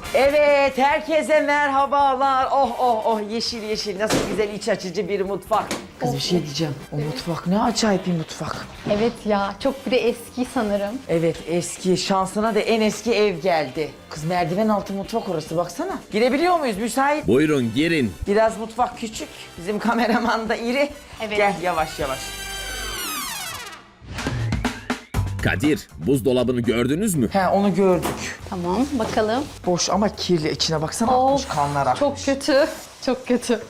Evet, herkese merhabalar. Oh oh oh, yeşil yeşil, nasıl güzel iç açıcı bir mutfak. Kız bir şey diyeceğim, o mutfak ne acayip bir mutfak. Evet ya, çok bir de eski sanırım. Evet, eski, şansına da en eski ev geldi. Kız merdiven altı mutfak orası, baksana. Girebiliyor muyuz, müsait? Buyurun girin. Biraz mutfak küçük, bizim kameraman da iri. Evet. Gel yavaş yavaş. Kadir, buzdolabını gördünüz mü? He, onu gördük. Tamam, bakalım. Boş ama kirli, içine baksana, akmış kanlar akmış. çok kötü, çok kötü.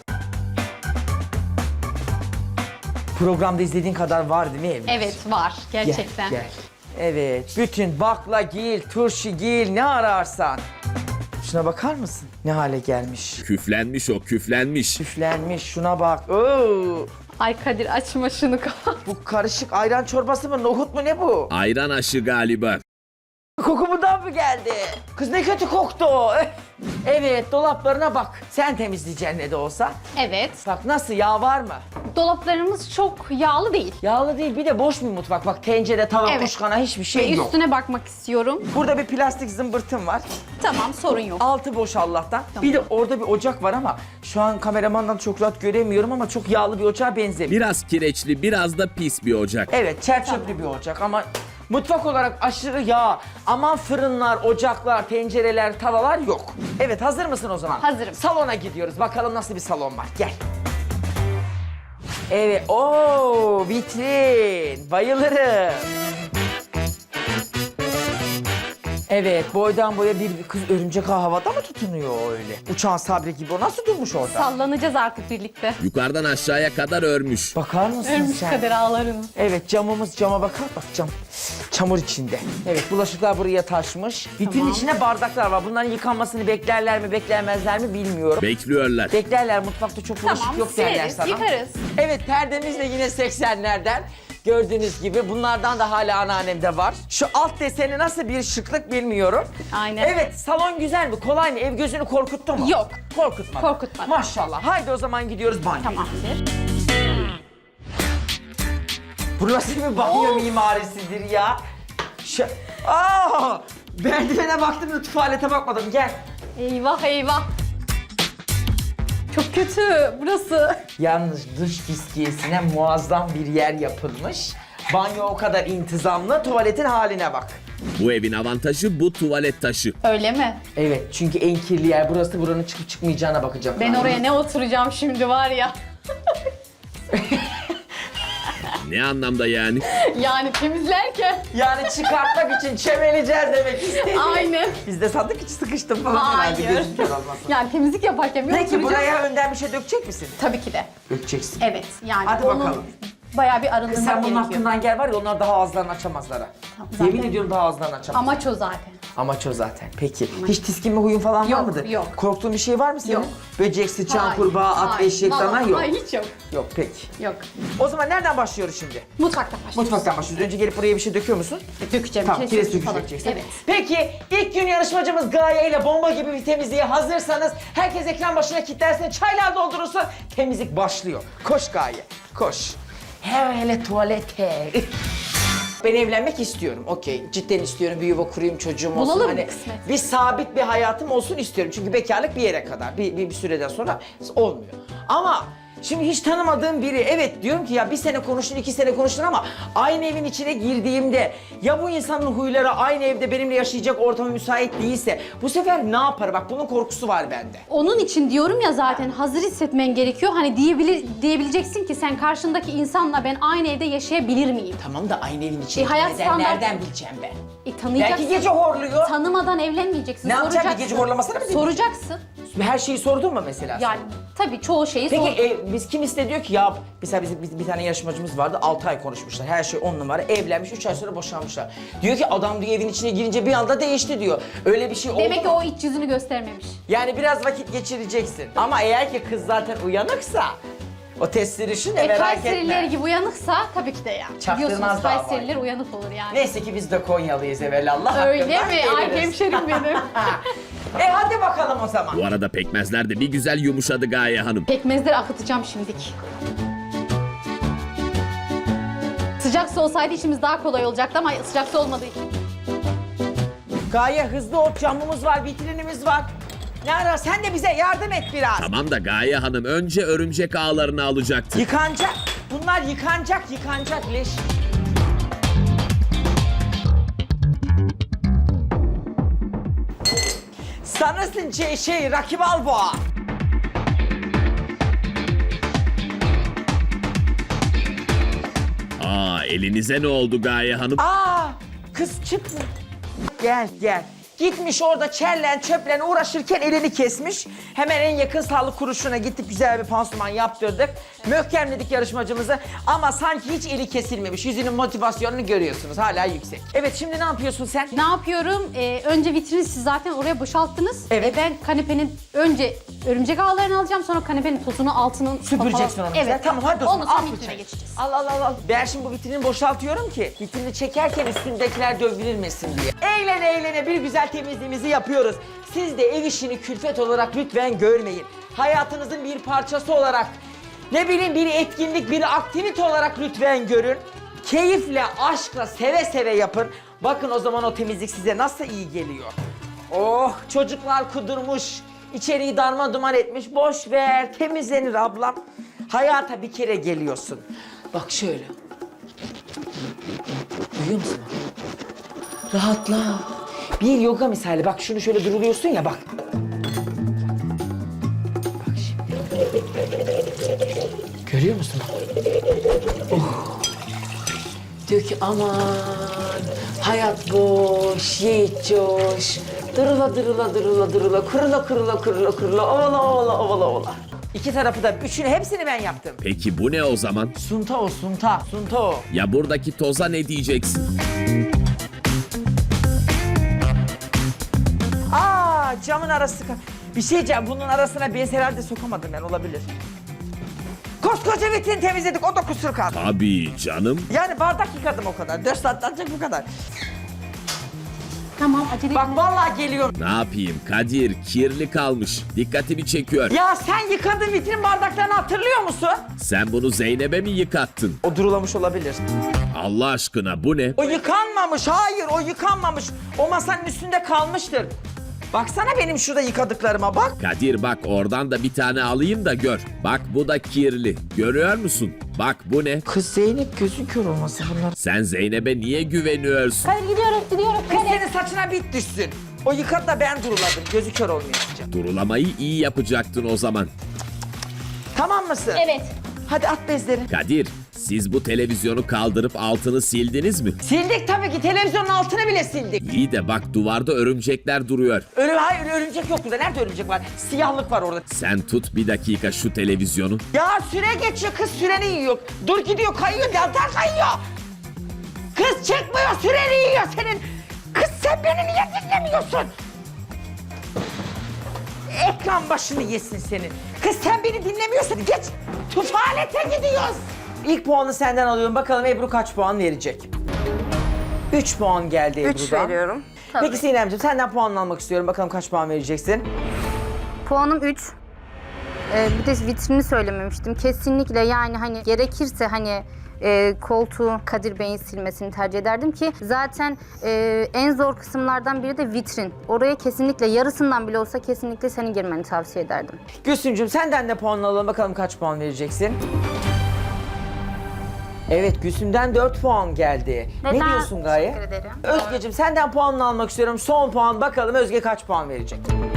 Programda izlediğin kadar var değil mi evde? Evet, var gerçekten. Gel. Evet, bütün baklagil, turşugil ne ararsan. Şuna bakar mısın? Ne hale gelmiş. Küflenmiş o, küflenmiş. Küflenmiş, şuna bak. Oo, Ay Kadir, açma şunu kapat. bu karışık ayran çorbası mı, nohut mu, ne bu? Ayran aşı galiba. Koku buradan mı geldi? Kız ne kötü koktu o. Evet, dolaplarına bak. Sen temizleyeceksin ne de olsa. Evet, Bak nasıl, yağ var mı? dolaplarımız çok yağlı değil. Yağlı değil, bir de boş bir mutfak. Bak tencere, tava, Evet. kuşkana hiçbir Ve şey yok. üstüne bakmak istiyorum. Burada bir plastik zımbırtım var. Tamam, sorun yok. Altı boş Allah'tan. Tamam. Bir de orada bir ocak var ama şu an kameramandan çok rahat göremiyorum ama çok yağlı bir ocağa benzemiyor. Biraz kireçli, biraz da pis bir ocak. Evet, çerçöplü bir ocak ama mutfak olarak aşırı yağ. Aman fırınlar, ocaklar, tencereler, tavalar yok. Evet, hazır mısın o zaman? Hazırım. Salona gidiyoruz. Bakalım nasıl bir salon var. Gel. Evet, ooo vitrin. Bayılırım. Evet, boydan boya bir kız örümcek ağı havada mı tutunuyor öyle? Uçan Sabri gibi, o nasıl durmuş orada? Sallanacağız artık birlikte. Yukarıdan aşağıya kadar örmüş. Bakar mısın Ölmüş sen? Kadir ağlarını. Evet, camımız, cama bakar, bak cam. Çamur içinde. Evet, bulaşıklar buraya taşmış. Vitrinin Tamam. içinde bardaklar var. Bunların yıkanmasını beklerler mi, beklemezler mi bilmiyorum. Bekliyorlar. Beklerler, mutfakta çok bulaşık Tamam, yok derler sileriz, sana. yıkarız. Evet, perdemiz de yine 80'lerden. Gördüğünüz gibi bunlardan da hala anneannemde var. Şu alt deseni nasıl bir şıklık bilmiyorum. Aynen. Evet, salon güzel mi? Kolay mı? Ev gözünü korkuttu mu? Yok. Korkutmadı. Korkutmadı. Maşallah. Haydi o zaman gidiyoruz banyoya. Tamamdır. Bu nasıl bir banyo mimarisidir ya? Merdivene baktım da tuvalete bakmadım. Gel. Eyvah eyvah. Çok kötü burası. Yalnız dış fiskiyesine muazzam bir yer yapılmış. Banyo o kadar intizamlı, tuvaletin haline bak. Bu evin avantajı bu tuvalet taşı. Öyle mi? Evet, çünkü en kirli yer burası, buranın çıkıp çıkmayacağına bakacağım. Ben oraya ne oturacağım şimdi var ya. Ne anlamda yani? Yani temizlerken. Yani çıkartmak için çemeleyeceğiz demek istedim. Aynen. Biz de sandık içi sıkıştım falan. Hayır. herhalde, gözüm kör olmasın. Yani temizlik yaparken bir Peki oturacağım. buraya önden bir şey dökecek misin? Tabii ki de. Dökeceksin. Evet yani Hadi onun bakalım. bayağı bir Kız arındırmak sen bunun gerekiyor. hakkından gel var ya, onlar daha ağızlarını açamazlar ha. zaten. Yemin ediyorum daha ağızlarını açamaz. Amaç o zaten. Amaç o zaten. Peki. Hiç tiskinme huyun falan var Yok, mıdır? yok. Korktuğun bir şey var mı senin? Yok. Böcek, sıçan, Hayır, kurbağa, at, hayır. eşek, Vallahi dana yok. Hayır hiç yok. Yok peki. Yok. O zaman nereden başlıyoruz şimdi? Mutfaktan başlıyoruz. Mutfaktan başlıyoruz. Önce gelip buraya bir şey döküyor musun? Dökeceğim. Tamam, kireç sökücü falan. dökeceksin. Evet. Peki, ilk gün yarışmacımız Gaye ile bomba gibi bir temizliğe hazırsanız herkes ekran başına kilitlensin, çaylar doldurursun, temizlik başlıyor. Koş Gaye, koş. Hele tuvalete. Ben evlenmek istiyorum, okey. Cidden istiyorum, bir yuva kurayım, çocuğum olsun. Bulalım mı kısmet? Bir sabit bir hayatım olsun istiyorum. Çünkü bekarlık bir yere kadar, bir süreden sonra olmuyor. Ama şimdi hiç tanımadığım biri, evet diyorum ki ya bir sene konuştun, 2 sene konuştun ama aynı evin içine girdiğimde ya bu insanın huyları aynı evde benimle yaşayacak ortama müsait değilse bu sefer ne yapar? Bak bunun korkusu var bende. Onun için diyorum ya zaten hazır hissetmen gerekiyor. Hani diyebileceksin ki sen karşındaki insanla ben aynı evde yaşayabilir miyim? Tamam da aynı evin içine hayat neden, standart- nereden bileceğim ben? Tanıyacaksın. Belki gece horluyor. Tanımadan evlenmeyeceksin. Ne yapacağım, bir soracaksın. gece horlamasına mı dinleyeyim? Soracaksın. Her şeyi sordun mu mesela? sen? Yani tabii çoğu şeyi Peki sor. biz kim diyor ki ya mesela bizim bir tane yarışmacımız vardı, 6 ay konuşmuşlar, her şey 10 numara, evlenmiş, 3 ay sonra boşanmışlar. Diyor ki adam diyor evin içine girince bir anda değişti diyor. Öyle bir şey oldu Demek ki mu? o iç yüzünü göstermemiş. Yani biraz vakit geçireceksin ama eğer ki kız zaten uyanıksa o testi düşün de merak Kayseriler etme. gibi uyanıksa tabii ki de ya. Çaktırmaz Biliyorsunuz daha Kayseriler uyanık olur yani. Neyse ki biz de Konyalıyız evelallah. Öyle hakkından mi? Ay geliriz. hemşerim benim. Hadi bakalım o zaman. Bu arada pekmezler de bir güzel yumuşadı Gaye Hanım. Pekmezleri akıtacağım şimdik. Sıcak su olsaydı işimiz daha kolay olacaktı ama sıcak su olmadığı için. Gaye hızlı ol, camımız var, vitrinimiz var. Ne ara sen de bize yardım et biraz. Tamam da Gaye Hanım önce örümcek ağlarını alacaktı. Yıkanacak. Bunlar yıkanacak leş. Sanırsın Rocky Balboa. Aa, elinize ne oldu Gaye Hanım? Aa, kız çıkma. Gel. Gitmiş orada çellen çöplen uğraşırken elini kesmiş. Hemen en yakın sağlık kuruluşuna gittik, güzel bir pansuman yaptırdık. Möhkemledik yarışmacımızı ama sanki hiç eli kesilmemiş. Yüzünün motivasyonunu görüyorsunuz, hala yüksek. Evet, şimdi ne yapıyorsun sen? Ne yapıyorum? Önce vitrini siz zaten oraya boşalttınız. Evet. Ben kanepenin önce örümcek ağlarını alacağım, sonra kanepenin tozunu, altının... Süpüreceksin onu. Evet. Tamam, hadi o zaman. Ondan sonra Al vitrine bıçağı. geçeceğiz. Al. Ben şimdi bu vitrini boşaltıyorum ki vitrini çekerken üstündekiler dövülmesin diye. Eğlene bir güzel temizliğimizi yapıyoruz. Siz de ev işini külfet olarak lütfen görmeyin. Hayatınızın bir parçası olarak, ne bileyim bir etkinlik, bir aktivite olarak lütfen görün. Keyifle, aşkla, seve seve yapın. Bakın o zaman o temizlik size nasıl iyi geliyor. Oh, çocuklar kudurmuş, içeriği darmadağın etmiş. Boş ver, temizlenir ablam. Hayata bir kere geliyorsun. Bak şöyle. Duyuyor musun? Rahatla. Bir yoga misali. Bak şunu şöyle duruluyorsun ya, bak. Bak şimdi. Görüyor musun? Oh. Diyor ki aman hayat boş, yiğit coş. Dırıla. Kırıla. Ovala. İki tarafı da, üçünü, hepsini ben yaptım. Peki bu ne o zaman? Sunta o. Ya buradaki toza ne diyeceksin? Aa, camın arası. Bir şey diyeceğim, bunun arasına bez herhalde sokamadım ben, olabilir. Koskoca vitrin temizledik, o da kusur kaldı. Tabii canım. Yani bardak yıkadım o kadar. 4 saatte ancak bu kadar. Tamam, acele Bak edin. vallahi geliyorum. Ne yapayım Kadir, kirli kalmış. Dikkatimi çekiyor. Ya sen yıkadığın vitrin bardaklarını hatırlıyor musun? Sen bunu Zeynep'e mi yıkattın? O durulamış olabilir. Allah aşkına bu ne? O yıkanmamış, hayır o yıkanmamış. O masanın üstünde kalmıştır. Baksana benim şurada yıkadıklarıma bak. Kadir bak oradan da bir tane alayım da gör. Bak bu da kirli. Görüyor musun? Bak bu ne? Kız Zeynep gözün kör olması bunlar. Sen Zeynep'e niye güveniyorsun? Kadir gidiyorum. Kız senin saçına bit düşsün. O yıkadı da ben duruladım. Gözü kör olmayacak. Durulamayı iyi yapacaktın o zaman. Tamam mısın? Evet. Hadi at bezleri. Kadir, siz bu televizyonu kaldırıp altını sildiniz mi? Sildik tabii ki, televizyonun altını bile sildik. İyi de bak duvarda örümcekler duruyor. Hayır örümcek yok burada. Nerede örümcek var? Siyahlık var orada. Sen tut bir dakika şu televizyonu. Ya süre geçiyor, kız süreni yiyor. Dur gidiyor, kayıyor, deltar kayıyor. Kız çıkmıyor, süreni yiyor senin. Kız sen beni niye dinlemiyorsun? Ekran başını yesin senin. Kız sen beni dinlemiyorsun, geç. Tuvalete gidiyoruz. İlk puanı senden alıyorum. Bakalım Ebru kaç puan verecek? 3 puan geldi Ebru'dan. 3 veriyorum. Tabii. Peki Sinemciğim, senden puan almak istiyorum. Bakalım kaç puan vereceksin? Puanım 3. Bir de vitrini söylememiştim. Kesinlikle yani hani gerekirse hani koltuğu Kadir Bey'in silmesini tercih ederdim ki zaten en zor kısımlardan biri de vitrin. Oraya kesinlikle yarısından bile olsa kesinlikle senin girmeni tavsiye ederdim. Gülsümcüğüm senden de puan alalım. Bakalım kaç puan vereceksin? Evet, Gülsüm'den 4 puan geldi. Ne Neden? diyorsun Gaye? Teşekkür ederim. Özgeciğim senden puanını almak istiyorum. Son puan, bakalım Özge kaç puan verecek?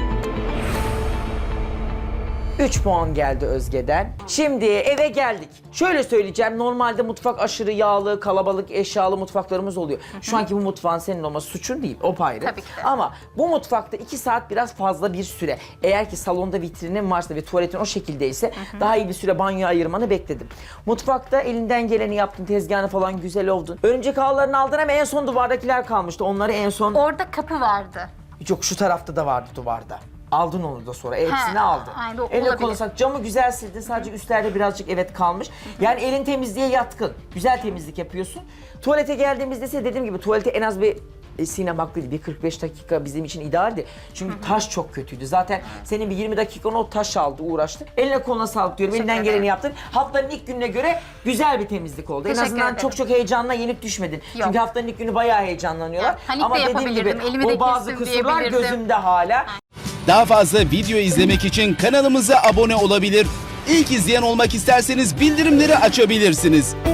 3 puan geldi Özge'den. Şimdi eve geldik. Şöyle söyleyeceğim, normalde mutfak aşırı yağlı, kalabalık, eşyalı mutfaklarımız oluyor. Şu anki bu mutfağın senin olması suçun değil, o ayrı. Tabii ki de. Ama bu mutfakta 2 saat biraz fazla bir süre. Eğer ki salonda vitrinin varsa ve tuvaletin o şekildeyse daha iyi bir süre banyoya ayırmanı bekledim. Mutfakta elinden geleni yaptın, tezgahını falan güzel oldun. Örümcek ağlarını aldın ama en son duvardakiler kalmıştı. Onları en son... Orada kapı vardı. Yok, şu tarafta da vardı duvarda. Aldın onu da sonra. Hepsini aldın. aynen, Elle olabilir. konuşsak camı güzel sildin. Sadece üstlerde birazcık evet kalmış. Yani elin temizliğe yatkın. Güzel temizlik yapıyorsun. Tuvalete geldiğimizde ise dediğim gibi tuvalete en az bir Sinem haklıydı. Bir 45 dakika bizim için idealdi. Çünkü taş çok kötüydü. Zaten senin bir 20 dakikan o taş aldı, uğraştı. Eline koluna sağlık diyorum. Elinden Teşekkür geleni ederim. yaptın. Haftanın ilk gününe göre güzel bir temizlik oldu. En Teşekkür azından ederim. çok heyecanla yenip düşmedin. Yok. Çünkü haftanın ilk günü bayağı heyecanlanıyorlar. Evet, panik Ama de dediğim gibi yapabilirdim, elimi de o bazı kestim kusurlar diyebilirdim. gözümde hala. Daha fazla video izlemek için kanalımıza abone olabilir. İlk izleyen olmak isterseniz bildirimleri açabilirsiniz.